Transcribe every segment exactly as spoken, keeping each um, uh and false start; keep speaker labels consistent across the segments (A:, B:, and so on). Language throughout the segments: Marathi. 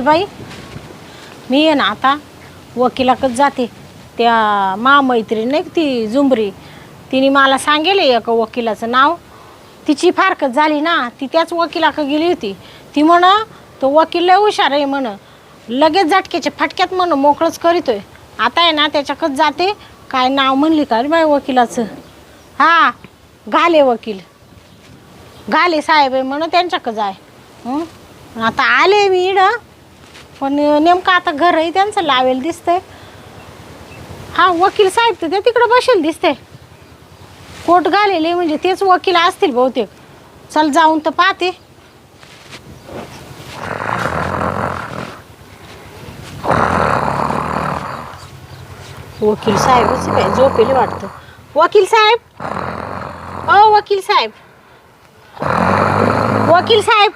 A: बाई मी आहे ना आता वकिलाकडे जाते. त्या महामैत्रीण नाही ती झुंबरी, तिने मला सांगेल एका वकिलाचं नाव. तिची फारकत झाली ना, ती त्याच वकिलाकडे गेली होती. ती म्हण तो वकील लय हुशार आहे म्हण, लगेच झटक्याच्या फटक्यात म्हण मोकळंच करीतोय. आता आहे ना त्याच्याकडे जाते. काय नाव म्हणली का रे बाई वकिलाचं? हां घाले वकील, घाले साहेब आहे म्हण, त्यांच्याकडे जाय. आता आले मी इड, पण नेमकं आता घरही त्यांचं लावेल दिसतंय. हा वकील साहेब तर ते तिकडं बसेल दिसते. कोट घालेले म्हणजे तेच वकील असतील बहुतेक. चल जाऊन तर पाहते. वकील साहेबच काय झोपेले वाटतं. वकील साहेब, ओ वकील साहेब, वकील साहेब,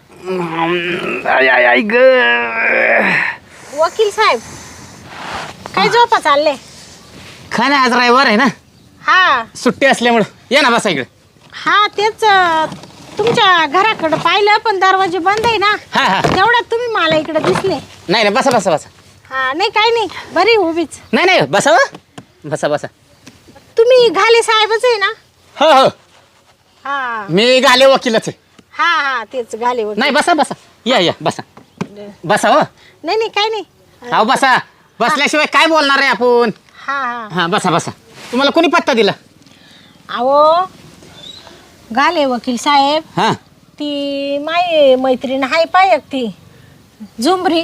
A: वकील साहेब काय झोपा चालले?
B: काय नाही, आज रविवार आहे ना,
A: हा
B: सुट्टी असल्यामुळं या ना बसा इकडे.
A: हा तेच तुमच्या घराकडं पाहिलं पण दरवाजे बंद आहे ना,
B: हा हा
A: तेवढ्यात तुम्ही मला इकडे दिसले.
B: नाही नाही बसा बसा बसा.
A: हा नाही काही नाही, बरी उभीच.
B: नाही नाही बसा बसा बसा.
A: तुम्ही घाले साहेबच आहे ना?
B: हो हो
A: हा
B: मी घाले वकीलच आहे.
A: हा हा तेच घाले वकील.
B: नाही बसा बसा, या या बसा बसा. हो
A: नाही नाही काही नाही.
B: हो बसा, बसल्याशिवाय काय बोलणार आहे आपण.
A: हा हा
B: हा बसा बसा. तुम्हाला कोणी पत्ता दिला?
A: अहो घाले वकील साहेब,
B: हा
A: ती माय मैत्रीण हाय पाय ती झुंबरी.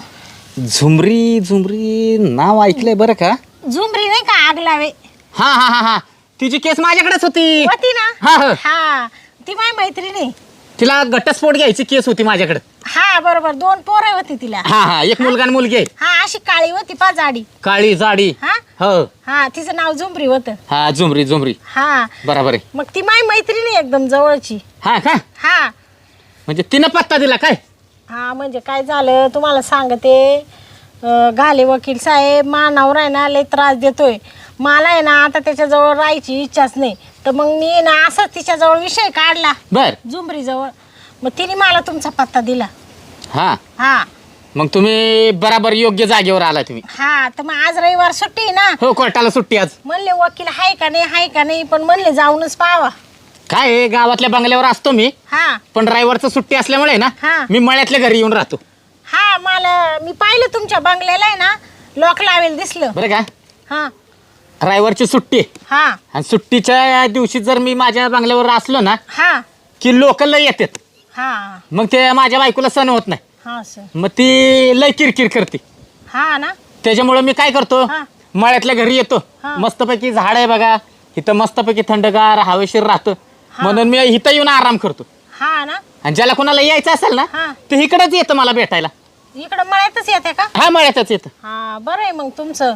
B: झुमरी झुमरी नाव ऐकलंय बरं का.
A: झुंबरी नाही का आगलावे?
B: हा हा हा हा तिची केस माझ्याकडेच होती.
A: होती ना?
B: हा हा
A: हा ती माय मैत्रीण आहे.
B: तिला घटस्फोट घ्यायची केस होती माझ्याकडे.
A: हा बरोबर, दोन पोरं होती तिला.
B: हा हा एक मुलगा आणि मुलगी आहे.
A: हा अशी काळी होती पा जाडी.
B: काळी जाडी.
A: हा
B: हो
A: हा तिचं नाव झुंबरी होतं.
B: हा झुमरी झुमरी
A: हा
B: बरोबर आहे.
A: मग ती माय मैत्रीण आहे एकदम जवळची.
B: हा का,
A: हा
B: म्हणजे तिनं पत्ता दिला काय?
A: हा म्हणजे काय झालं तुम्हाला सांगते. अं, घाले वकील साहेब, मा नवरा आहे ना लय त्रास देतोय मला. आहे ना आता त्याच्याजवळ राहायची इच्छाच नाही, तर मग मी ना असंच तिच्याजवळ विषय काढला
B: बर
A: झुंबरीजवळ. मग तिने मला तुमचा पत्ता दिला.
B: हा
A: हा
B: मग तुम्ही बराबर योग्य जागेवर आला तुम्ही.
A: हा तर मग आज रविवार सुट्टी आहे ना,
B: हो कोर्टाला सुट्टी आज.
A: म्हणले वकील हाय का नाही हाय का नाही, पण म्हणले जाऊनच पाहावा.
B: काय आहे, गावातल्या बंगल्यावर असतो मी,
A: हा
B: पण ड्रायव्हरचं सुट्टी असल्यामुळे ना
A: हा.
B: मी मळ्यातल्या घरी येऊन राहतो.
A: हा मला मी पाहिलं तुमच्या बंगल्याला आहे ना लॉक लावेल दिसलं.
B: बरं का,
A: हा
B: ड्रायव्हरची सुट्टी आहे.
A: हा
B: आणि सुट्टीच्या दिवशी जर मी माझ्या बंगल्यावर असलो ना
A: हा
B: की लोक लय येतात.
A: हा
B: मग ते माझ्या बायकोला सण होत नाही,
A: हा सर.
B: मग ती लय किरकिर करते.
A: हा ना
B: त्याच्यामुळे मी काय करतो,
A: हा.
B: मळ्यातल्या घरी येतो.
A: हा.
B: मस्तपैकी झाड आहे बघा इथं, मस्तपैकी थंडगार हवेशीर राहतं. म्हणून मी इथं येऊन आराम करतो.
A: हा ना
B: आणि ज्याला कोणाला यायचं असेल ना
A: हा.
B: ते इकडेच येतं मला भेटायला.
A: इकडं मळ्यातच येते का?
B: हा मळ्यातच येतं.
A: हा बरं आहे मग तुमचं.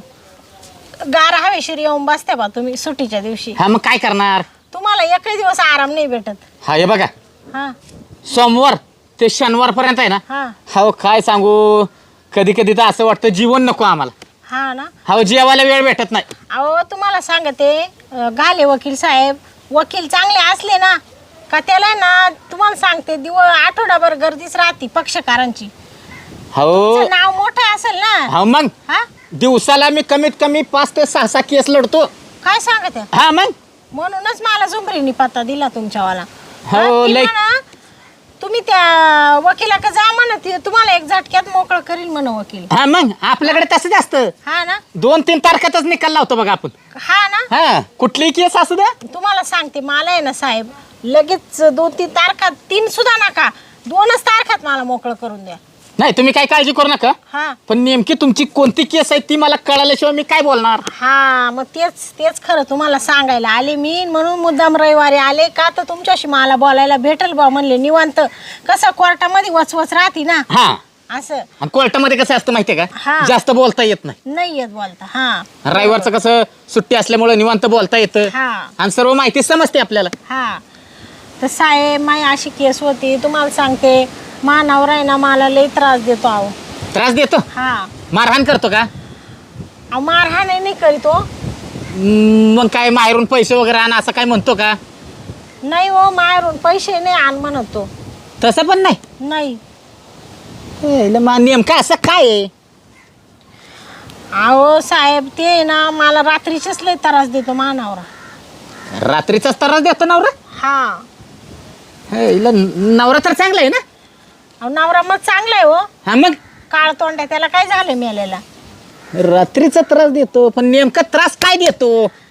A: गार हवेशीर येऊन बसते बा तुम्ही सुट्टीच्या दिवशी.
B: हा मग काय करणार.
A: तुम्हाला एकही दिवस आराम नाही भेटत.
B: हा हे बघा
A: हा
B: सोमवार ते शनिवार पर्यंत आहे ना,
A: हा
B: हो काय सांगू, कधी कधी तर असं वाटतं जीवन नको आम्हाला.
A: हा ना
B: हो जेवायला वेळ भेटत नाही.
A: अहो तुम्हाला सांगते, अं, घाले वकील साहेब, वकील चांगले असले ना का त्याला ना तुम्हाला सांगते दिव आठवडाभर गर्दीच राहते पक्षकारांची.
B: हो
A: तुमचं नाव मोठं असेल ना.
B: हो मग
A: हा
B: दिवसाला मी कमीत कमी पाच ते सहा सहा केस लढतो.
A: काय सांगते?
B: हा मग
A: म्हणूनच मला झुंबरीनी पत्ता दिला तुमच्यावाला.
B: हो,
A: हा, ती
B: लय-
A: म्हणा, तुम्ही त्या वकिलाकडे जा म्हणा, ती तुम्हाला एक झटक्यात मोकळं करील म्हणा वकील.
B: हा मग आपल्याकडे तसं असतं.
A: हा ना
B: दोन तीन तारखेतच निकाल लावतो बघा आपण.
A: हा ना
B: हा कुठलीही केस असू द्या.
A: तुम्हाला सांगते, मला आहे ना साहेब लगेच दोन तीन तारखात, तीन सुद्धा नका, दोनच तारखात मला मोकळं करून द्या.
B: नाही तुम्ही काही काळजी करू नका,
A: हा
B: पण नेमकी तुमची कोणती केस आहे ती मला कळाल्याशिवाय मी काय बोलणार.
A: हा मग तेच तेच खरं तुम्हाला सांगायला आले मी, म्हणून मुद्दाम रविवारी आले का तर तुमच्याशी मला बोलायला भेटेल बा म्हणले निवांत. कसं कोर्टामध्ये वचवच राहते ना
B: हा
A: असं.
B: आणि कोर्टामध्ये कसं असतं माहितीये का,
A: हा.
B: जास्त बोलता येत नाही.
A: नाही येत बोलता. हा
B: रविवारचं कसं सुट्टी असल्यामुळे निवांत बोलता येतं
A: हा
B: आणि सर्व माहिती समजते आपल्याला.
A: हा तर साहेब माय अशी केस होती तुम्हाला सांगते, मा नवरा आहे ना मला लई त्रास देतो. अहो
B: त्रास देतो,
A: हा
B: मारहाण करतो का?
A: अहो मारहाण नाही करीतो.
B: हम्म, मग काय माहेरून पैसे वगैरे आण असं काय म्हणतो का?
A: नाही हो, मारून पैसे नाही आण म्हणतो.
B: तसं पण नाही.
A: नाही
B: हे, मा नेमका असं काय आहे?
A: अहो साहेब ते ना मला रात्रीचेच लय त्रास देतो मानावरा.
B: रात्रीचाच त्रास देतो नवरा?
A: हा.
B: हे, हिला नवरा तर चांगला आहे ना?
A: अहो नवरा मग चांगला आहे हो.
B: हा मग
A: काळ तोंड आहे, त्याला काय झालं मेलेला?
B: रात्रीचा त्रास देतो, पण नेमका त्रास काय देतो?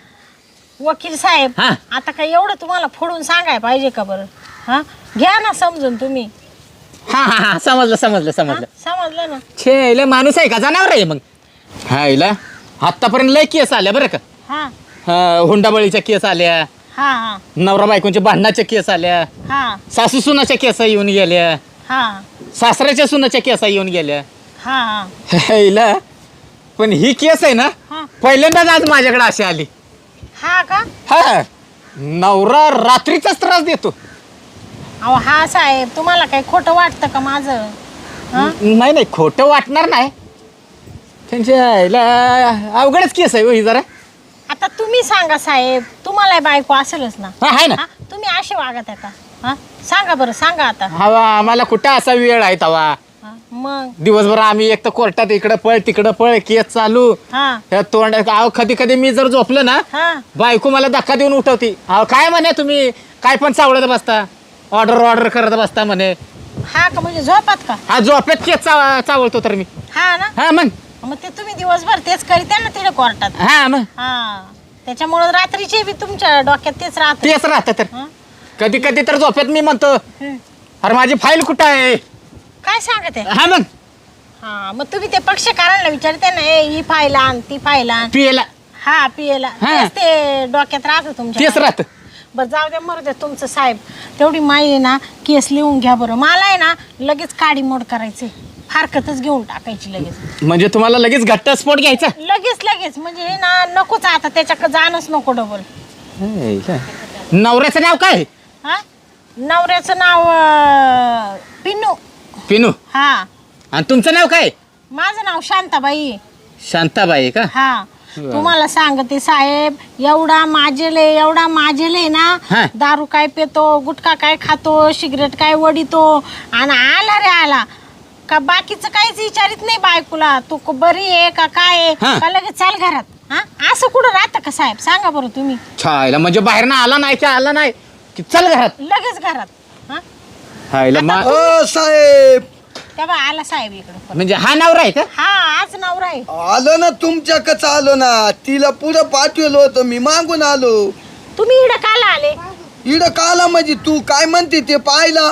A: वकील साहेब
B: हा.
A: आता काय एवढं तुम्हाला फोडून सांगाय पाहिजे का बरं? हा घ्या ना समजून तुम्ही.
B: हा हा हा समजलं समजलं
A: हा?
B: समजलं.
A: समजलं ना?
B: छे हिला माणूस आहे का जनावर आहे मग? हा हिला आत्तापर्यंत लय केस आल्या बरं का.
A: हा
B: हा, हुंडाबळीच्या केस आल्या,
A: हा हा
B: नवरा बायकोंच्या भांडणाच्या केस आल्या,
A: हा
B: सासू सुनाच्या केस येऊन गेल्या,
A: हा
B: सासऱ्याच्या सुनाच्या केस येऊन गेल्या.
A: हा
B: हिला पण ही केस आहे ना
A: हा
B: पहिल्यांदाच आज माझ्याकडे अशी आली.
A: हा का?
B: हा नवरा रात्रीचाच त्रास देतो.
A: अहो हा साहेब तुम्हाला काही खोटं वाटतं का माझं? हा?
B: नाही नाही खोटं वाटणार नाही. त्यांच्या आईला अवघडच केस आहे हो ही जरा.
A: आता तुम्ही सांगा साहेब, तुम्हाला बायको असेलच ना?
B: हा आहे ना.
A: हा? तुम्ही असे वागत आहे का? हा सांगा बरं, सांगा आता.
B: हवा आम्हाला कुठं असा वेळ आहे तवा.
A: हा, मग
B: दिवसभर आम्ही एक तर कोर्टात इकडं पळ तिकडं पळ केस चालू.
A: हा
B: त्या तोंड अहो कधी कधी मी जर झोपलं ना
A: हा
B: बायको मला धक्का देऊन उठवती. अहो काय म्हणे तुम्ही काय पण चावडत बसता, ऑर्डर ऑर्डर करत बसता म्हणे.
A: हा का? म्हणजे झोपात का?
B: हा झोपेत केस चाव चावळतो तर मी.
A: हा ना?
B: हा मग
A: मग ते तुम्ही दिवसभर तेच करीत आहे ना तिथे कोर्टात.
B: हा मग
A: हा त्याच्यामुळे रात्रीचे बी तुमच्या डोक्यात तेच राहत.
B: तेच राहतं तर. कधी कधी तर झोपेत मी म्हणतो अरे माझी फाईल कुठं आहे.
A: काय सांगत आहे?
B: हा मग
A: हा मग तुम्ही ते पक्षकारांना विचारते ना, ए ही फाईल आण ती फाईल आण.
B: पियला
A: हा पियला
B: हा.
A: तेच ते डोक्यात राहतं तुमच्या.
B: तेच राहतं.
A: बरं जाऊ द्या, मरू द्या तुमचं साहेब. तेवढी माई आहे ना केस लिहून घ्या बरं. मला आहे ना लगेच काडी मोड करायचे, फारकतच घेऊन टाकायची लगेच.
B: म्हणजे तुम्हाला लगेच घट्टस्फोट घ्यायचा?
A: लगेच लगेच म्हणजे हे ना नकोच आता, त्याच्याकडे जाणंच नको डबल.
B: नवऱ्याचं नाव काय?
A: हा नवऱ्याचं नाव अं, पिन्नू.
B: पिनू.
A: हा
B: आणि तुमचं नाव काय?
A: माझं नाव शांताबाई.
B: शांताबाई का?
A: हा
B: बरं.
A: तुम्हाला सांगते साहेब, एवढा माजेले एवढा माजेले ना,
B: हा.
A: दारू काय पितो, गुटखा काय खातो, सिगरेट काय वडितो, आणि आला रे आला का बाकीचं काहीच विचारित नाही बायकोला, तू क- बरी आहे का काय आहे
B: हा.
A: का लगेच चाल घरात. हा असं कुठं राहतं का साहेब? सांगा बरं तुम्ही.
B: छायला म्हणजे बाहेर ना आला नाही की आला नाही की चल घरात.
A: लगेच घरात. हा
B: हायला मा-
C: ओ साहेब,
A: तेव्हा आला साहेब इकडं.
B: म्हणजे हा नवरा आहे का?
A: हा आज नवरा आहे.
C: आलो ना तुमच्याकडे, आलो ना. तिला पुढं पाठवलं होतं, मी मागून आलो.
A: तुम्ही इकडं काला आले?
C: इड काला म्हणजे तू काय म्हणते ते पाहिला.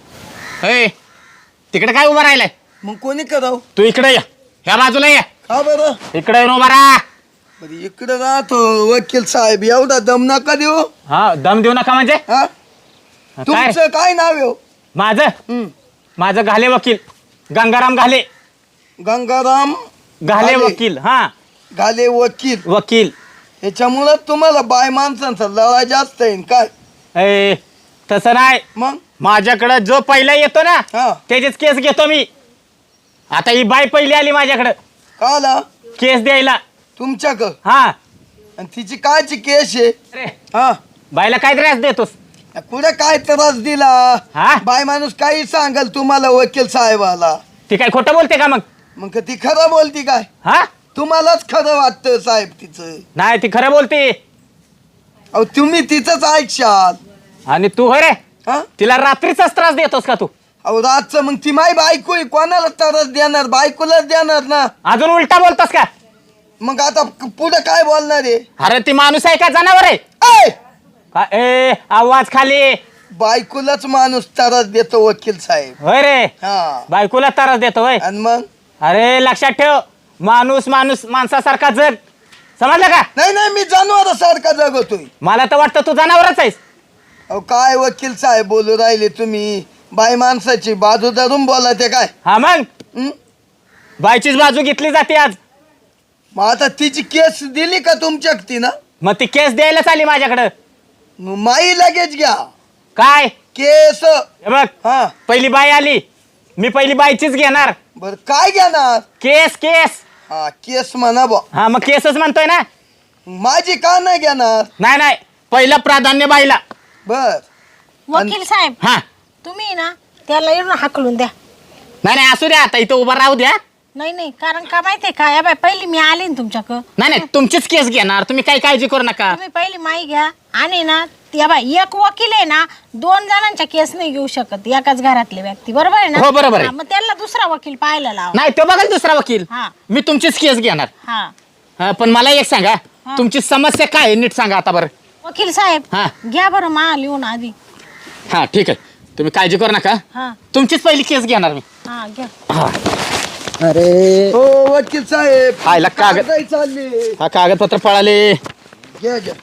B: हे तिकडे काय उभा राहिलाय?
C: मग कोणी कराव?
B: तू इकडे या, ह्या बाजूला या.
C: का बरं?
B: इकडे येऊन उभा राहा.
C: बरं इकडे राहतो वकील साहेब, एवढा दम नका देऊ.
B: हा दम देऊ नका म्हणजे
C: हा
B: काय?
C: तुमचं काय नाव आहे हो?
B: माझं
C: हं.
B: माझं घाले वकील गंगाराम घाले.
C: गंगाराम
B: घाले
C: घाले.
B: वकील. हा
C: घाले वकील.
B: वकील.
C: ह्याच्यामुळं तुम्हाला बाय माणसांचा लळा जास्त आहे काय?
B: ए तसं नाही,
C: मग
B: माझ्याकडं जो पहिला येतो ना
C: हा
B: त्याचेच केस घेतो मी. आता ही बाई पहिली आली माझ्याकडं
C: काला
B: केस द्यायला.
C: तुमच्याकडं,
B: हा
C: आणि तिची कायची केस आहे?
B: अरे
C: हा
B: बाईला काय त्रास देतोस?
C: कुठे काय त्रास दिला?
B: हा?
C: बाय माणूस काही सांगाल तुम्हाला वकील साहेबाला,
B: ती काय खोटं बोलते का मग?
C: मग ती खरं बोलती काय?
B: हा
C: तुम्हालाच खरं वाटतं साहेब तिचं.
B: नाही ती खरं बोलते.
C: अहो तुम्ही तिचंच ऐकशाल.
B: आणि तू हो रे
C: हा
B: तिला रात्रीचाच त्रास देतोस का तू?
C: अहो रातचं मग ती माई बायको आहे, कोणाला त्रास देणार? बायकोलाच देणार ना.
B: अजून उलटा बोलतोस का?
C: मग आता पुढे काय बोलणार आहे?
B: अरे ती माणूस आहे का जनावर आहे?
C: ऐ!
B: का- ए आवाज खाली.
C: बायकोलाच माणूस त्रास देतो वकील साहेब.
B: होय रे
C: हा
B: बायकोला त्रास देतो होय?
C: आणि मग
B: अरे लक्षात ठेव, माणूस माणूस माणसासारखा जग, समजलं का?
C: नाही नाही, मी जनावरासारखा जगतोय.
B: मला तर वाटतं तू जनावरच आहेस.
C: अहो काय वकील साहेब बोलू राहिले तुम्ही? बाय माणसाची बाजू धरून बोला ते काय?
B: हा मग
C: हं?
B: बायचीच बाजू घेतली जाते आज.
C: मग आता तिची केस दिली का तुमच्या ना?
B: मग ती केस द्यायलाच आली माझ्याकडं.
C: मग माई लगेच घ्या
B: काय
C: केस.
B: हे बघ,
C: हा
B: पहिली बाई आली, मी पहिली बाईचीच घेणार.
C: बर काय घेणार?
B: केस केस.
C: हा केस म्हणा बा.
B: हा मग केसच म्हणतोय ना.
C: माझी का नाही घेणार?
B: नाही नाही, पहिलं प्राधान्य बाईला.
C: बर
A: वकील साहेब
B: हा
A: तुम्ही ना त्याला येऊन हाकलून द्या.
B: नाही नाही असू द्या आता इथं उभा राहू द्या.
A: नाही नाही कारण का माहितीये का या बाय पहिली मी आले ना तुमच्याकडं.
B: नाही नाही तुमचीच केस घेणार तुम्ही काही काळजी करू नका.
A: तुम्ही पहिली माई घ्या आणि ना या बाय एक वकील आहे ना दोन जणांच्या केस नाही घेऊ शकत एकाच घरातले व्यक्ती बरोबर आहे ना.
B: हो, बरोबर आहे.
A: हा, मग त्याला दुसरा वकील पाहायला लावा.
B: नाही तो बघाल दुसरा वकील.
A: हा.
B: मी तुमचीच केस घेणार.
A: हा
B: हा, पण मला एक सांगा
A: हा.
B: तुमची समस्या काय आहे नीट सांगा आता बरं.
A: वकील साहेब
B: हा.
A: घ्या बरं मा लिहून आधी.
B: हा ठीक आहे तुम्ही काळजी करू नका.
A: हा
B: तुमचीच पहिली केस घेणार मी.
A: हा घ्या.
B: हा. अरे
C: हो वकील साहेब
B: आयला कागद-
C: काय चालले
B: हा कागदपत्र पळाले.
C: घ्या घ्या.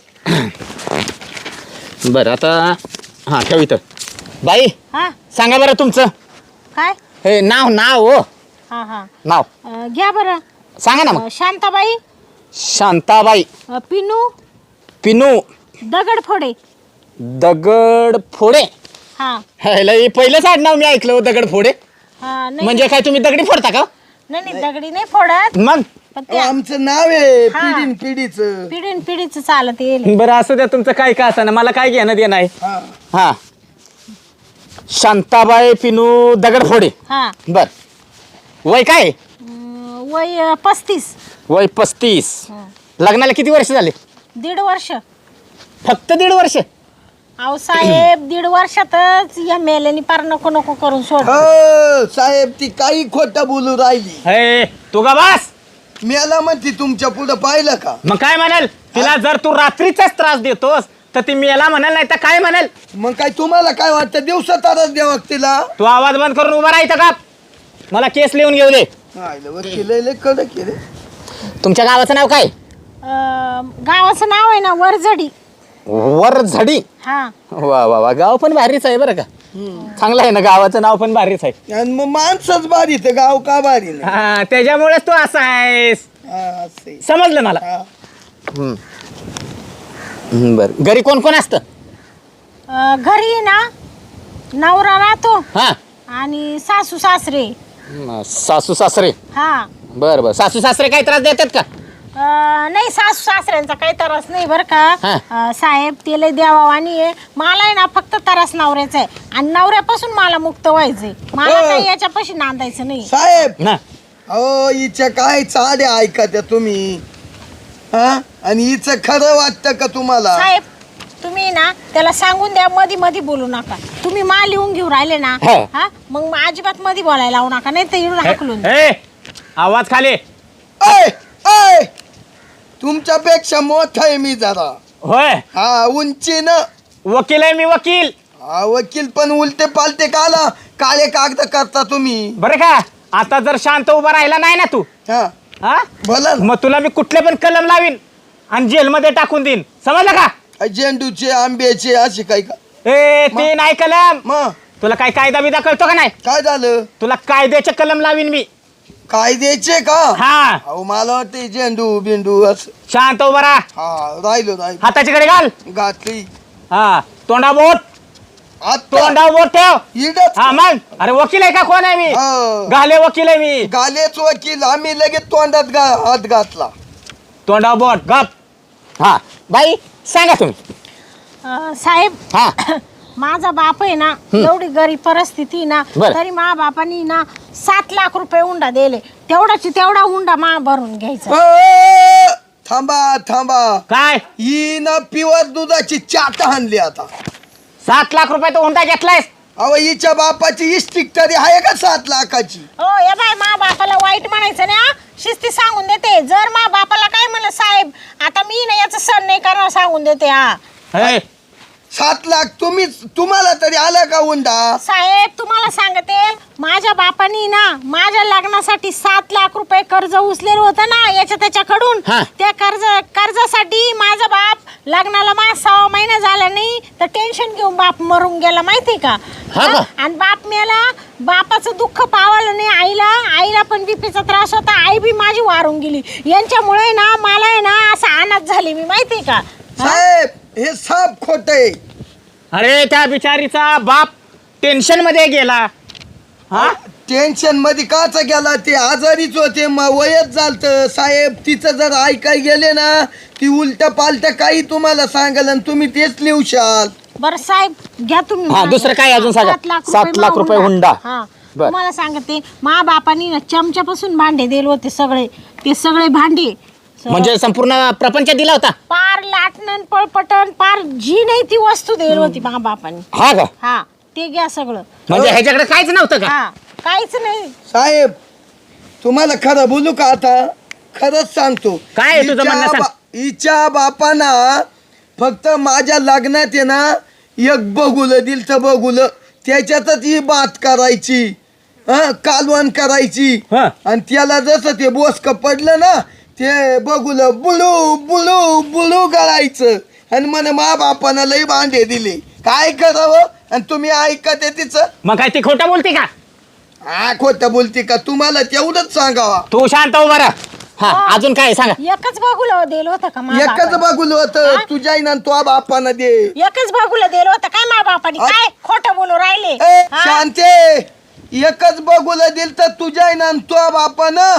B: बरं आता हा ठेव इथं. बाई
A: हा
B: सांगा बरं तुमचं
A: काय
B: हे नाव नाव हो
A: हा हा
B: नाव
A: अं, घ्या बरं.
B: सांगा ना मग.
A: अं, शांताबाई
B: शांताबाई
A: अं, पिनू
B: पिनू
A: दगडफोडे.
B: दगड फोडे.
A: हा
B: ह्याला हे पहिलंच आडनाव मी ऐकलं हो, दगड फोडे.
A: हा नाही
B: म्हणजे काय तुम्ही दगडी फोडता का
A: नाही नाही, दगडी नाही फोडत
B: मग.
A: पण
C: अहो,
A: ते
C: आमचं नाव आहे
A: हा.
C: पिढीन पिढीचं.
A: पिढीन पिढीचं चालत येईल.
B: बरं असू द्या तुमचं काय का असं मला काय घेणं देणं आहे.
C: हा
B: हा शांताबाई पिनू दगड फोडे.
A: हा
B: बर वय काय आहे?
A: अं, वय अं, पस्तीस.
B: वय पस्तीस.
A: हं.
B: लग्नाला किती वर्ष झाले.
A: दीड वर्ष.
B: फक्त दीड वर्ष.
A: अहो साहेब दीड वर्षातच या मेल्यानी पार नको नको करून सोड.
C: हो साहेब ती काही खोटं बोलू राहिली.
B: हे तू का बस.
C: मला म्हणते तुमच्या पुढं पाहिलं का.
B: मग काय म्हणाल तिला जर तू रात्रीचाच त्रास देतोस तर ती मेला म्हणाल नाही तर काय म्हणाल.
C: मग काय तुम्हाला काय वाटतं दिवसा तारच द्यावं तिला.
B: तू आवाज बंद करून उभा राहायचा का. मला केस लिहून घेऊ दे.
C: वकील लय कडक आहे रे.
B: तुमच्या गावाचं नाव काय.
A: अं, गावाचं नाव आहे ना वरझडी.
B: वरझडी.
A: हा
B: वा वा वा गाव पण भारीच आहे बरं का. चांगलं आहे ना गावाचं नाव पण भारीच आहे.
C: आणि मग माणसंच बारी तर गाव का बारी नाही.
B: हा त्याच्यामुळेच तू असा आहेस
C: हा, असं आहे.
B: समजलं मला.
C: हा.
B: बर घरी कोण कोण असतं.
A: अं, घरी ना नवरा राहतो
B: हा
A: आणि सासू सासरे.
B: म, सासू सासरे.
A: हा
B: बर बर सासू सासरे काही त्रास देतात का.
A: अं, नाही सासू सासऱ्यांचा काही त्रास नाही बरं का.
B: हा.
A: अं, साहेब ते लय देवावानी आहे. मला आहे ना फक्त त्रास नवऱ्याचा आहे आणि नवऱ्यापासून मला मुक्त व्हायचंय. मला
C: हो.
A: काही याच्यापाशी नांदायचं नाही.
C: साहेब
B: ना
C: अहो हिच्या काय चाड्या ऐका त्या तुम्ही. हा आणि हिचं खरं वाटतं का तुम्हाला.
A: साहेब तुम्ही ना त्याला सांगून द्या मधी मधी बोलू नका. तुम्ही मा लिहून घेऊ राहिले ना
B: हा.
A: हा मग मग अजिबात मधी बोलायला लावू नका नाही तर इकडून हाकलून द्या.
B: ए आवाज खाली.
C: ऐ ऐ तुमच्यापेक्षा मोठा आहे मी जरा.
B: होय
C: हा उंचीनं.
B: वकील आहे मी वकील.
C: हा वकील पण उलटे पालटे काला काळे कागद करता तुम्ही.
B: बरं का आता जर शांत उभा राहिला नाही ना तू
C: हा
B: हा
C: बोला ना.
B: मग तुला मी कुठले पण कलम लावीन आणि जेलमध्ये टाकून देईन समजलं का.
C: झेंडूचे आंब्याचे असे काही का.
B: ए ते नाही कलम.
C: मग
B: तुला काय कायदा बिदा कळतो का नाही.
C: काय झालं.
B: तुला कायद्याचे कलम लावीन मी.
C: कायद्याचे का.
B: हा
C: अहो मला वाटतं झेंडू बिंडू असं.
B: शांत उभा राहा.
C: हा राहिलो राहिलो
B: हाताची कडे घाल.
C: घातली
B: हा तोंडा बोट.
C: आता
B: तोंडा बोट ठेव.
C: इडच.
B: हा मग अरे वकील आहे का कोण आहे मी.
C: हा.
B: घाले वकील आहे मी.
C: गालेच वकील आम्ही लगेच तोंडात गा हात घातला.
B: तोंडा बोट गप. हा बाई सांगा तुम्ही.
A: अं, साहेब
B: हा
A: माझा बाप आहे ना एवढी गरीब परिस्थिती ना
B: बरं.
A: तरी मा बापानी ना सात लाख रुपये हुंडा दिले. तेवढाची तेवढा हुंडा मा भरून घ्यायचा.
C: अ, थांबा थांबा
B: काय
C: ही ना प्युअर दुधाची चाट आणली आता.
B: सात लाख रुपये तो हुंडा घेतलायस.
C: अहो हिच्या बापाची इस्टिक तरी आहे का सात लाखाची.
A: हो या बाय मा बापाला वाईट म्हणायचं नाही हा. शिस्ती सांगून देते. जर मा बापाला काय म्हणलं साहेब आता मी ना याचं सण नाही करणार सांगून देते. हा
B: हे,
C: सात लाख तुम्ही तुम्हाला तरी आला का हुंडा.
A: साहेब तुम्हाला सांगते माझ्या बापानी ना माझ्या लग्नासाठी सात लाख रुपये कर्ज उचलेलं होतं ना याच्या त्याच्याकडून.
B: हा.
A: त्या कर्ज कर्जासाठी माझा बाप लग्नाला मा सहा महिना झाला नाही तर टेन्शन घेऊन बाप मरून गेला माहिती का.
B: हा का?
A: आणि बाप मेला. बापाचं दुःख पावलं नाही आईला. आईला पण बीपीचा त्रास होता. आई बी माझी वारून गेली. यांच्यामुळे ना मला आहे ना असं अनाथ झाली मी माहिती का.
C: साहेब हे साप खोट आहे.
B: अरे त्या बिचारीचा बाप टेन्शन मध्ये गेला. हा
C: टेन्शन मध्ये काच गेला ते आजारीच होते म वयच झालत. साहेब तिचं जर ऐकाय गेले ना ती उलट पालट काही तुम्हाला सांगाल आणि तुम्ही तेच लिहशाल.
A: बरं साहेब घ्या तुम्ही
B: हा दुसरं काय अजून सांगा.
A: सात लाख
B: सात लाख रुपये हुंडा.
A: हा
B: बर.
A: तुम्हाला सांगते मा बापानी ना चमच्यापासून भांडे दिले होते सगळे ते सगळे भांडे स-
B: म्हणजे संपूर्ण प्रपंच दिला होता.
A: पार लाटणं पळपटण पार जी नाही ती वस्तू दिली होती मा बापानी.
B: हा का?
A: हा ते घ्या सगळं.
B: म्हणजे ह्याच्याकडे काहीच नव्हतं का?
A: हा काहीच नाही.
C: साहेब तुम्हाला खरं बोलू का आता खरंच सांगतो.
B: काय आहे तुझं
C: हिच्या
B: म्हणणं सांग.
C: बा- हिच्या बापाना फक्त माझ्या लग्नात आहे ना एक बघुलं दिल तर बघुलं त्याच्यातच ही बात करायची हा कालवण करायची
B: हा.
C: आणि त्याला जसं ते बोसक पडलं ना ते बघुलं बुळू बुळू बुळू गळायचं आणि म्हणे मा बापानं लई भांडे दिले. काय करावं आणि तुम्ही ऐकते तिचं.
B: मग काय ती खोटं बोलते का?
C: हा खोटं बोलते का तुम्हाला तेवढंच सांगावा.
B: तू शांत हो बरं. हा
A: हा.
B: अजून काय सांगा.
A: एकच बागुला दिलं होतं का मा
C: एकच
A: बापानी?
C: बघुलं होतं
A: हा?
C: तुझ्या ना तो बापानं दे.
A: एकच बागुला दिलं होतं काय मा बापानी?
C: आ-
A: काय खोटं बोलू राहिले?
C: ए,
A: हा?
C: शांते एकच बघुलं दिल तर तुझ्या ना तो बापानं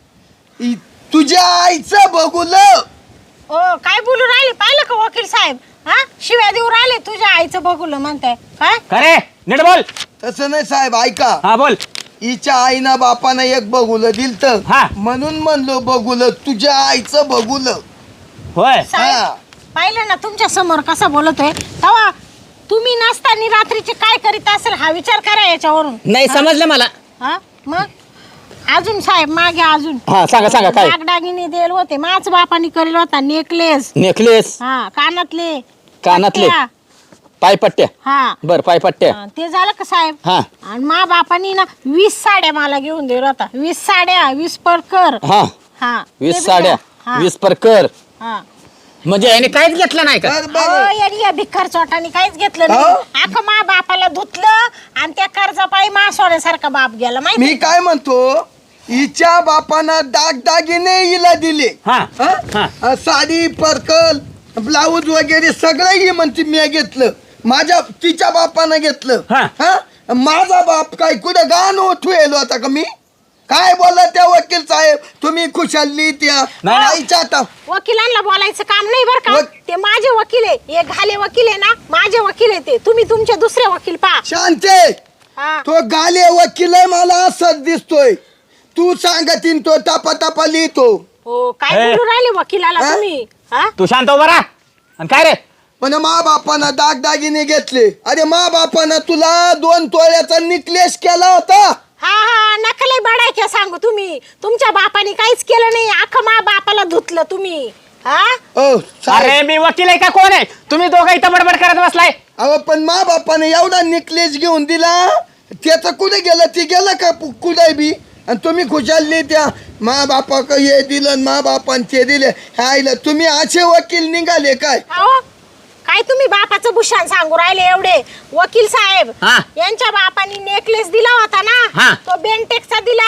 C: इ- तुझ्या आईचं बघुलं.
A: ओ काय बोलू राहिले पाहिलं का वकील साहेब? हा शिव्या देऊ राहिले तुझ्या आईचं बघुलं म्हणताय काय?
B: खरे नीट बोल.
C: तसं नाही साहेब ऐका
B: हा बोल.
C: हिच्या आईना बापानं एक बघुलं दिल तर
B: हा.
C: म्हणून म्हणलो बघुलं तुझ्या आईचं बघुलं.
B: होय.
A: साहेब
C: हा.
A: पाहिलं ना तुमच्या समोर कसं बोलतोय तेव्हा तुम्ही नसताना रात्रीचे काय करीत असेल हा विचार करा याच्यावरून.
B: नाही समजलं मला.
A: हा मग अजून साहेब मागे अजून
B: हा सांगा सांगा काय.
A: दागदागिने दिले होते माझ बापानी करेल होता नेकलेस
B: नेकलेस
A: हा कानातले
B: कानातले
A: पट्ट्या.
B: पायपट्ट्या.
A: हा
B: बर पायपट्ट्या.
A: हा, ते झालं का साहेब?
B: हा.
A: आणि मा बापानी ना वीस साड्या मला घेऊन दिल्या होता. वीस साड्या वीस परकर.
B: हा
A: हा ते
B: वीस
A: बी
B: साड्या
A: द्या. हा,
B: वीस परकर.
A: हा.
B: म्हणजे याने काहीच घेतलं नाही का?
C: बर बर
A: अहो, यांनी या भिकार चोटाने काहीच घेतलं नाही.
C: हो?
A: अख्खं मा बापाला धुतलं आणि त्या कर्जापायी मा सोन्यासारखा बाप गेला
C: मी
A: माहिती.
C: काय म्हणतो हिच्या बापानं दागदागिने हिला दिले.
B: हा
C: हा?
B: हा.
C: अ, साडी पर्कल ब्लाऊज वगैरे सगळं ही म्हणते मी घेतलं. माझ्या तिच्या बापानं घेतलं.
B: हा.
C: हा? माझा बाप काय कुठं गाण ठेवलो होता का मी? काय बोलला त्या वकील साहेब तुम्ही खुशाली त्या
B: नाही, नाही.
C: आईच्या आता
A: वकिलांना बोलायचं काम नाही बरं का.
C: वक-
A: ते माझे वकील आहे. हे घाले वकील आहे ना माझे वकील आहे ते. तुम्ही तुमचे दुसरे वकील पहा.
C: शांते
A: हा.
C: तो गाले वकील आहे मला असंच दिसतोय. तू सांगतीन तो टपा टपा लिहितो.
A: हो काय
B: हे.
A: बोलू राहिले वकिलाला
C: हा?
A: तुम्ही? हा
B: तू शांत हो बरा. आणि काय रे?
C: पण मा बापानं दागदागिने घेतले. अरे मा बापानं तुला दोन तोळ्याचा निकलेस केला होता.
A: हा हा नकलही बडायच्या सांगू तुम्ही. तुमच्या बापाने काहीच केलं नाही. अख्खं मा बापाला धुतलं तुम्ही. हा
C: ओ साहेब,
B: अरे मी वकील आहे का कोण आहे? तुम्ही दोघं इथं बडबड करत बसलाय.
C: अहो पण मा बापाने एवढा निकलेस घेऊन दिला त्याचं कुठे गेलं ते गेलं का पु- कुठे बी आणि तुम्ही खुशालली त्या मा बापा हे दिलं आणि मा बापान ते दिले. हायला तुम्ही असे वकील निघाले काय?
A: अहो, काय तुम्ही बापाचं भूषण सांगू राहिले एवढे वकील साहेब?
B: हा.
A: यांच्या बापानी नेकलेस दिला होता
B: हा.
A: ना तो बेंटेक्सचा दिला.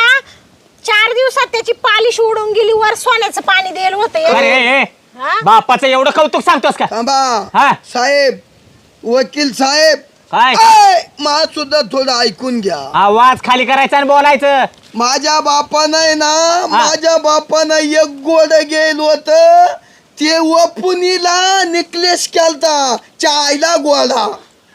A: चार दिवसात त्याची पालिश उडून गेली. वर सोन्याचं पाणी दिलं होतं
B: अरे
A: एवढं.
B: ए,
A: हा?
B: बापाचं एवढं कौतुक सांगतोस का? हा.
C: थांबा साहेब वकील साहेब
B: काय?
C: ऐ, मा सुद्धा थोडं ऐकून घ्या.
B: आवाज खाली करायचा आणि बोलायचं.
C: माझ्या बापानं आहे ना माझ्या बापानं एक गोड गेल होत ते वपुनीला निकलेस केलता चायला गोळा.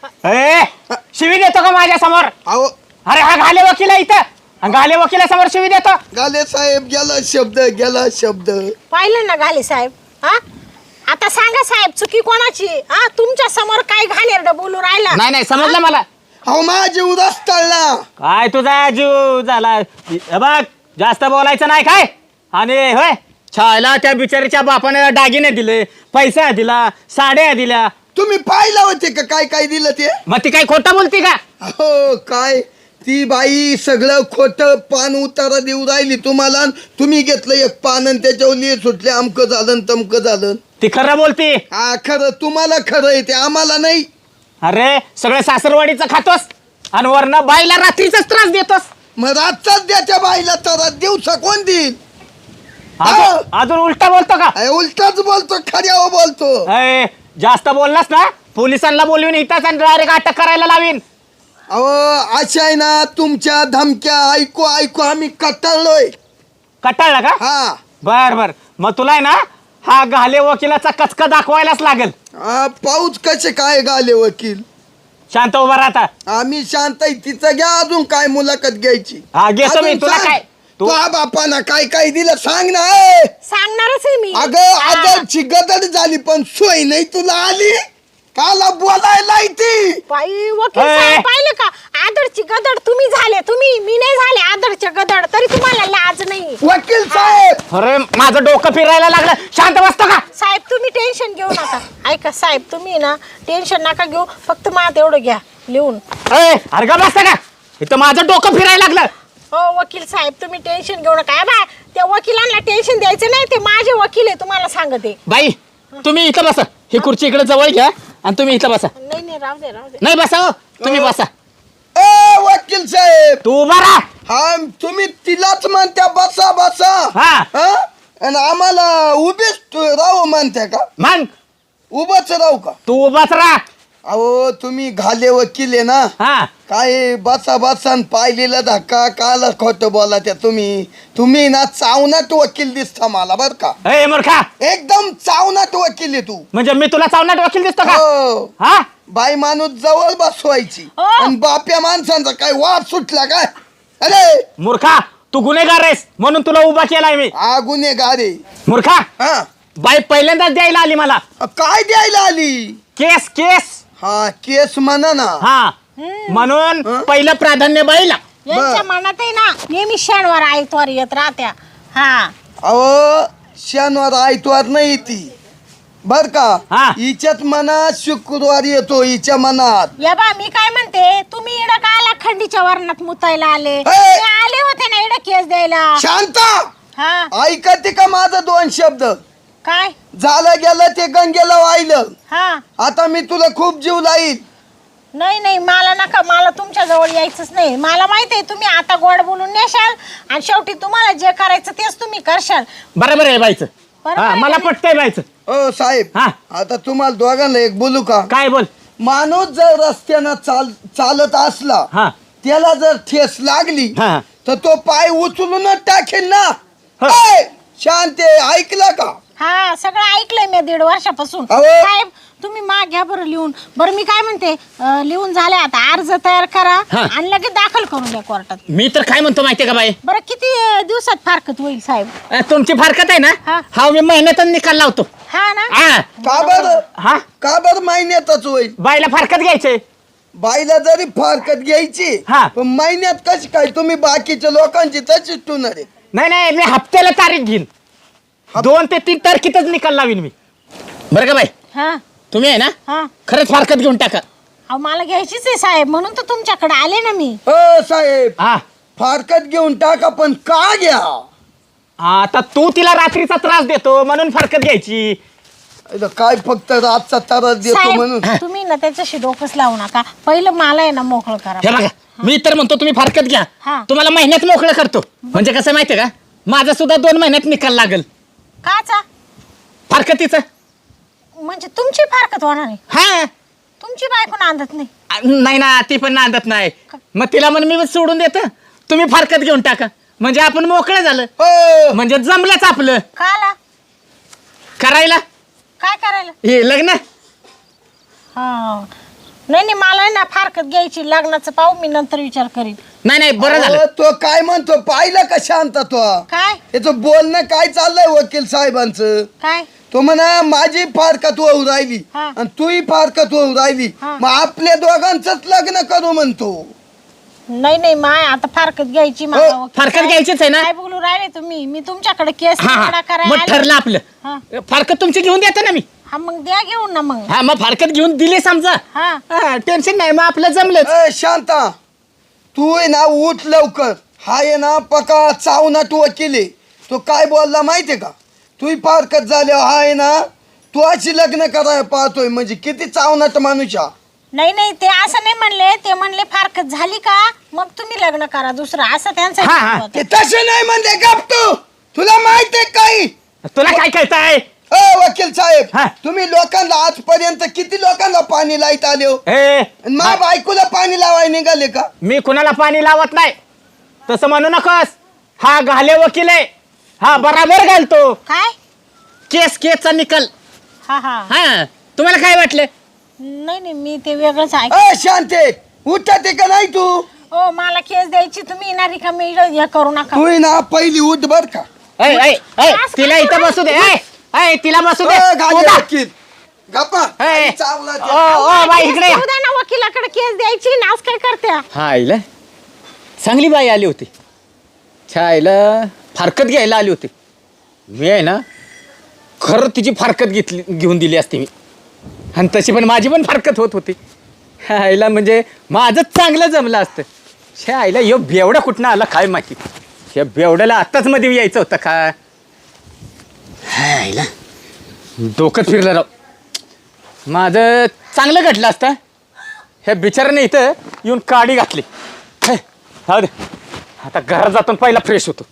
B: ए शिवी देतो का माझ्या समोर?
C: अहो
B: अरे हा घाले वकील आहे इथं. आणि घाले वकिलासमोर शिवी देतो.
C: गाले साहेब गेला शब्द गेला शब्द.
A: पाहिलं ना घाले साहेब? हा आता सांगा साहेब चुकी कोणाची? हा तुमच्या समोर काय घाणेरड बोलू राहिला?
B: नाही नाही समजलं मला.
C: अहो माझी उदास तळला.
B: काय तुझा जीव झाला? हे बघ जास्त बोलायचं नाही काय. आणि होय छायला त्या बिचारीच्या बापाने दागिने दिले, पैसा दिला, साड्या दिल्या.
C: तुम्ही पाहिलं होते का काय काय दिलं ते?
B: मग ती काही खोटं बोलती का?
C: हो काय ती बाई सगळं खोटं पान उतारा देऊ राहिली तुम्हाला. तुम्ही घेतलं एक पान आणि त्याच्यावर लिहि सुटले अमकं झालं आणि तमकं झालं.
B: ती खरं बोलती.
C: हा खरं तुम्हाला खरं आहे ते आम्हाला नाही.
B: अरे सगळं सासरवाडीचं खातोस आणि वरनं बाईला रात्रीचाच त्रास देतोस.
C: मग रातचाच द्याच्या बाईला तर दिवसा कोण देईल?
B: अजून अजून उलटा बोलतो का?
C: अय, उलटाच बोलतो खऱ्यावर बोलतो.
B: अय, जास्त बोललास ना पोलिसांना बोलवीन इथंच आणि डायरेक्ट अटक करायला लावीन.
C: अहो अशा आहे ना तुमच्या धमक्या ऐकू ऐकू आम्ही कटाळलोय.
B: कटाळला का?
C: हा
B: बर बर मग तुला आहे ना हा घाले वकिलाचा कचका दाखवायलाच लागेल.
C: हा, पाऊच कसे काय गाले वकील?
B: शांत उभा राहता.
C: आम्ही शांत आहे. तिचं घ्या अजून काय मुलाखत घ्यायची.
B: हा घेतो मी.
C: अजून
B: तुला
C: सांग.
B: काय तू
C: तुझ्या बापानं काय काय दिलं सांग ना. ए!
A: सांगणारच आहे मी.
C: अगं
A: हा.
C: आदरची गदर झाली पण सोय नाही तुला आली. काला बोलायला ती
A: बाई वकील
B: ए.
A: साहेब पाहिलं का? आदरची गदड तुम्ही झाले, तुम्ही मी नाही झाले आदरचे गदड, तरी तुम्हाला लाज नाही.
C: वकील साहेब.
B: अरे माझं डोकं फिरायला लागलं. शांत बसतो का?
A: साहेब तुम्ही टेन्शन घेऊ नका. ऐका साहेब, तुम्ही ना टेन्शन नका घेऊ, फक्त मला तेवढं घ्या लिहून.
B: ए, अरे का बसता का? इथं माझं डोकं फिरायला लागलं.
A: हो वकील साहेब, तुम्ही टेन्शन घेऊ नका. बा त्या वकिलांना टेन्शन द्यायचं नाही, ते माझे वकील आहे, तुम्हाला सांगते.
B: बाई तुम्ही इथं बसा. ही खुर्ची इकडे जवळ घ्या आणि तुम्ही इथं बसा.
A: नाही नाही राहू दे राहू दे.
B: नाही बसा हो, तुम्ही बसा.
C: ए वकील साहेब.
B: तू उभा राहा.
C: हा तुम्ही तिलाच म्हणत्या बसा बसा.
B: हा.
C: हा? आणि आम्हाला उभेच तू राहू म्हणत्या का?
B: मग
C: उभंच राहू का?
B: तू उभाच राहा.
C: अहो तुम्ही घाले वकील आहे ना.
B: हा
C: काय बसा बसा न पाहिलेला धक्का काल खोटं बोला त्या तुम्ही. तुम्ही ना चावनाट वकील दिसता मला बर का.
B: ए मूर्खा,
C: एकदम चावनाट वकील आहे तू.
B: म्हणजे मी तुला चावनाट वकील दिसतो का?
C: हो.
B: हा
C: बाई माणूस जवळ बसवायची
A: हो.
C: आणि बाप्या माणसांचा काय वाद सुटला काय? अरे
B: मूर्खा, तू गुन्हेगार आहेस म्हणून तुला उभा केलाय मी.
C: हा गुन्हेगार आहे.
B: मूर्खा,
C: हा
B: बाई पहिल्यांदाच द्यायला आली मला
C: काय द्यायला आली?
B: केस. केस
C: हा केस म्हणा ना.
B: हा म्हणून
C: हं?
B: पहिलं प्राधान्य बाईला.
A: यांच्या मनात आहे ना नेहमी शनिवार आयतवार येत राहत्या. हा
C: अहो शनिवार आयतवार नाही ती बर का.
B: हा.
C: हिच्यात मनात शुक्रवार येतो हिच्या मनात.
A: या बा मी काय म्हणते, तुम्ही इडं का आला खंडीच्या वर्णात मुतायला आले?
C: ए!
A: ते आले होते ना इडं केस द्यायला.
C: शांता
A: हा
C: ऐकते का माझं दोन शब्द?
A: काय?
C: झालं गेलं ते गंगेला वाहिलं.
A: हा
C: आता मी तुला खूप जीव लाईल.
A: नाही नाही मला नका, मला तुमच्या जवळ यायचंच नाही. मला माहिती आहे तुम्ही आता गोड बोलून नेशाल आणि शेवटी तुम्हाला जे करायचं तेच तुम्ही करशाल.
B: बरोबर आहे बाईचं.
A: बरोबर
B: हा
A: आहे
B: मला
A: का नाही?
B: पटतंय बाईचं.
C: ओ साहेब
B: हा.
C: आता तुम्हाला दोघांना एक बोलू का?
B: काय बोल.
C: माणूस जर रस्त्यानं चाल चालत असला
B: हा
C: त्याला जर ठेस लागली
B: हा
C: तर तो पाय उचलूनच टाकेल ना.
B: हा.
C: ए, शांत आहे, ऐकलं का?
A: हा सगळं ऐकलंय मी दीड वर्षापासून.
C: अहो.
A: साहेब तुम्ही माग घ्या बरं लिहून. बरं मी काय म्हणते, अं, लिहून झाले आता अर्ज तयार करा
B: हा.
A: आणि लगेच दाखल करून द्या कोर्टात.
B: मी तर काय म्हणतो माहितीये का बाई,
A: बरं किती अं, दिवसात फारकत होईल साहेब?
B: अ, तुमची फारकत आहे ना.
A: हा.
B: हा मी महिन्यातच निकाल लावतो.
A: हा ना.
B: हा
C: का बर
B: हा
C: का बर महिन्यातच होईल?
B: बाईला फारकत घ्यायचंय.
C: बाईला जरी फारकत घ्यायची
B: हा.
C: पण महिन्यात कशी काय? तुम्ही बाकीच्या लोकांची तशीच टुणार आहे.
B: नाही नाही मी हप्त्याला तारीख घेईन. दोन ते तीन तारखेतच निकाल लावीन मी. बरं का बाई,
A: हा
B: तुम्ही आहे ना
A: हा
B: खरंच फारकत घेऊन टाका.
A: अहो मला घ्यायचीच आहे साहेब, म्हणून तर तुमच्याकडे आले ना मी.
C: अ साहेब
B: हा
C: फारकत घेऊन टाका पण का घ्या?
B: आता तू तिला रात्रीचा त्रास देतो म्हणून फारकत घ्यायची.
C: इथं काय फक्त रातचा त्रास देतो म्हणून?
A: साहेब तुम्ही ना त्याच्याशी डोकंच लावू नका. पहिलं मला आहे ना मोकळं करा.
B: हे बघा, मी तर म्हणतो तुम्ही फारकत घ्या.
A: हा.
B: तुम्हाला महिन्यात मोकळं करतो. म्हणजे कसं माहितीये का, माझा सुद्धा दोन महिन्यात निकाल लागल
A: काचा?
B: फारकतीचा.
A: म्हणजे तुमची फारकत होणार नाही?
B: हा
A: तुमची बायको नांदत नाही?
B: आ, नाही ना, ती पण नांदत नाही. मग तिला म्हण मी सोडून देतो, तुम्ही फारकत घेऊन टाका म्हणजे आपण मोकळं झालं.
C: हो.
B: म्हणजे जमलंच आपलं
A: काला
B: करायला
A: काय करायला?
B: हे लग्न.
A: हा नाही नाही मला आहे ना फारकत घ्यायची. लग्नाचं पाहू मी, नंतर विचार करीन.
B: नाही नाही बरं झालं.
C: अहो, तो काय म्हणतो पाहिलं का शांत तो?
A: काय
C: याचं बोलणं काय चाललंय वकील साहेबांचं?
A: काय?
C: तो म्हणा माझी फारकत होऊ राहिली
A: हा.
C: आणि तूही फारकत होऊ राहिली,
A: हा.
C: मग आपल्या दोघांचंच लग्न करू म्हणतो.
A: नाही नाही माय आता फारकत घ्यायची मला.
C: हो,
A: वकील
B: फारकत
A: साहेब,
B: घ्यायचीच आहे ना?
A: काय बोलू राहिले तुम्ही? मी तुमच्याकडे केस
B: हा
A: निकाला
B: हा
A: करायला
B: मग
A: आले.
B: ठरलं आपलं.
A: हा.
B: फारकत तुमची घेऊन देता ना मी.
A: हा मग द्या घेऊन ना मग.
B: हा मग फारकत घेऊन दिली समजा.
A: हा
B: टेन्शन नाही, मग आपलं जमलं.
C: ए, शांता तू आहे ना उठ लवकर. हा आहे ना पका चावनाट वकील आहे. तो काय बोलला माहितीये का? तू फारकत झाल्यावर हा आहे ना तू अशी लग्न करायला पाहतोय म्हणजे किती चावनाट माणूस हा.
A: नाही नाही ते असं नाही म्हणले. ते म्हणले फारकत झाली का मग तुम्ही लग्न करा दुसरं, असं त्यांचं
B: हा, हा.
A: म्हणणं होतं.
C: ते तसे नाही म्हणते गप तू. तुला माहित आहे काही?
B: तुला काय कळतंय?
C: अ वकील साहेब
B: हा.
C: तुम्ही लोकांना आजपर्यंत किती लोकांना पाणी लाईत आले हो?
B: ए
C: आणि मा बायकोला पाणी लावायला निघाले का?
B: मी कुणाला पाणी लावत नाही, तसं म्हणू नकोस. हा घाले वकील आहे, हा बराबर घालतो.
A: काय?
B: केस केसचा निकाल.
A: हा हा
B: हा तुम्हाला काय वाटलं?
A: नाही नाही मी ते वेगळंच ऐक.
C: अ शांते उठा ते का नाही तू
A: हो मला केस द्यायची तुम्ही येणार का मी हे करू नका.
C: तू ना पहिली उठ बर का.
B: ऐ, ऐ, ऐ, तिला इथं बसू दे ऐ, ऐ, तिला बसू दे
C: अ, गाडी
B: उठा.
C: वकील. गप्पा
B: ऐ,
C: आणि चावला त्या.
B: ओ, ओ, बाई इकडे या.
A: केस देऊ द्या ना वकिलाकडे केस द्यायची नाच काय करत्या.
B: हा आईला चांगली बाई आली होती छा आईला फारकत घ्यायला आली होती मी आहे ना खरं तिची फारकत घेतली घेऊन दिली असती मी आणि तशी पण माझी पण फारकत होत होती ह्या आईला म्हणजे माझं चांगलं जमलं असतं ह्या आईला यो बेवडा कुठनं आला काय माहिती ह्या बेवड्याला आत्ताच मध्ये यायचं होतं का ह्या आईला डोकं फिरलं राव माझं चांगलं घडलं असतं ह्या बिचाराने इथं येऊन काडी घातली हे, जाऊ दे आता घरात जातो पहिला फ्रेश होतो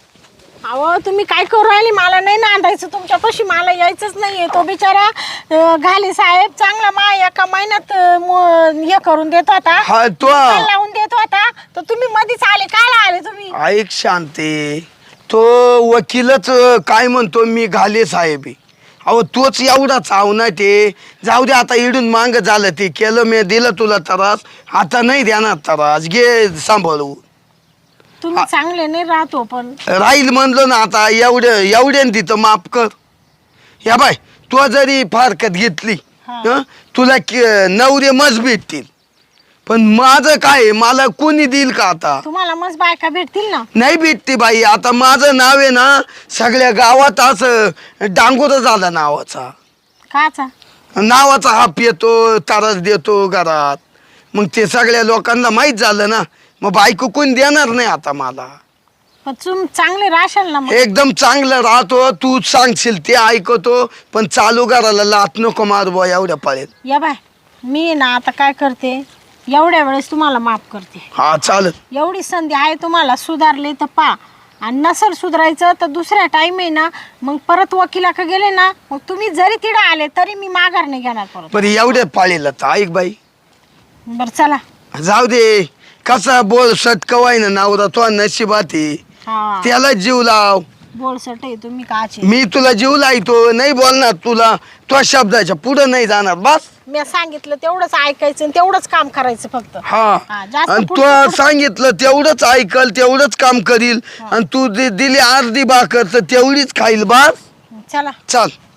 A: अहो तुम्ही काय करू राहिले मला नाही नांदायचं तुमच्यापाशी मला यायचंच नाहीये तो बिचारा अं, घाले साहेब चांगला मा एका महिन्यात अं, मो- हे करून देत होता
C: हा, तो-
A: निकाल लावून देत होता तर तुम्ही मध्येच आले काय आले तुम्ही.
C: ऐक शांते तो वकीलच काय म्हणतो मी घाले साहेब आहे. अहो तोच एवढा चावना ते जाऊ दे आता इडून मांग झालं ते केलं मी दिलं तुला त्रास आता नाही देणार त्रास घे सांभाळू
A: तुम्ही चांगले नाही राहतो पण
C: राहील म्हणलो ना आता एवढं एवढ्यान तिथं माफ कर या बाय तू जरी फारकत घेतली
A: हा.
C: हं, तुला के- नवरे मज भेटतील पण माझं काय आहे, मला कोणी देईल का आता
A: तुम्हाला मस्त बायका भेटतील ना.
C: नाही भेटते बाई आता माझं नाव आहे ना सगळ्या गावात असं डांगोर झाला नावाचा
A: काचा
C: नावाचा हाप येतो तारस देतो घरात मग ते सगळ्या लोकांना माहीत झालं ना मग बायको कोण देणार नाही आता मला
A: पण तुम चांगले राशाल ना मग.
C: एकदम चांगलं राहतो तू सांगशील ते ऐकतो पण चालू घराला लात नको मार बुवा एवढ्या पाळीत
A: या बाय मी ना आता काय करते एवढ्या वेळेस तुम्हाला माफ करते
C: हा चालत
A: एवढी संधी आहे तुम्हाला सुधारले तर पा आणि नसल सुधारायचं तर दुसऱ्या टाइम आहे ना मग परत वकिलाकडे गेले ना मग तुम्ही जरी तिडे आले तरी मी माघार नाही घेणार परत.
C: पण एवढ्या पाळीला तर ऐक बाई
A: बरं चला.
C: जाऊ दे कसा बोल सटकवाय ना नवरा तो नशिबात आहे
A: हा
C: त्याला जीव लाव
A: बोलसट आहे तुम्ही काचे.
C: मी तुला जीव लावतो नाही बोलणार तुला तो शब्दाच्या पुढे नाही जाणार बस
A: मी सांगितलं तेवढंच ऐकायचं आणि तेवढंच काम करायचं फक्त.
C: हा
A: हा, जास्त
C: आणि
A: पुढचं-
C: तू
A: पुढचं-
C: सांगितलं तेवढंच ऐकल तेवढंच काम करील आणि तू दि- दिली अर्धी भाकर तर तेवढीच खाईल बस
A: चला.
C: चाल